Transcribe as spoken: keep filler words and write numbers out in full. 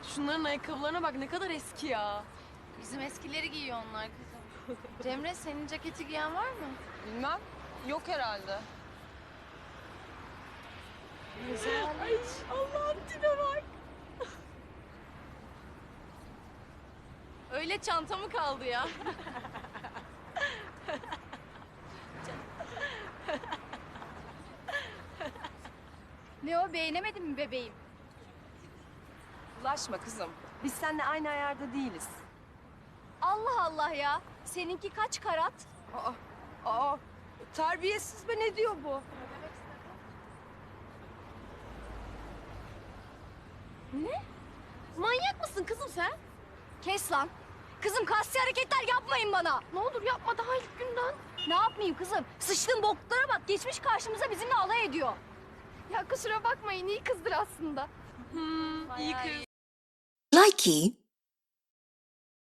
Şunların ayakkabılarına bak, ne kadar eski ya. Bizim eskileri giyiyor onlar kızım. Cemre, senin ceketi giyen var mı? Bilmem. Yok herhalde. Güzel. Ay Allah'ım, tipe bak. Öyle çanta mı kaldı ya? Ne o, beğenemedin mi bebeğim? Ulaşma kızım. Biz seninle aynı ayarda değiliz. Allah Allah ya. Seninki kaç karat? Aa, aa. Terbiyesiz be, ne diyor bu? Ne? Manyak mısın kızım sen? Kes lan. Kızım, kasti hareketler yapmayın bana. Ne olur yapma, daha ilk günden. Ne yapmayayım kızım? Sıçtığın bokluklara bak, geçmiş karşımıza bizimle alay ediyor. Ya kusura bakmayın, iyi kızdır aslında. Hmm, iyi kız. Likey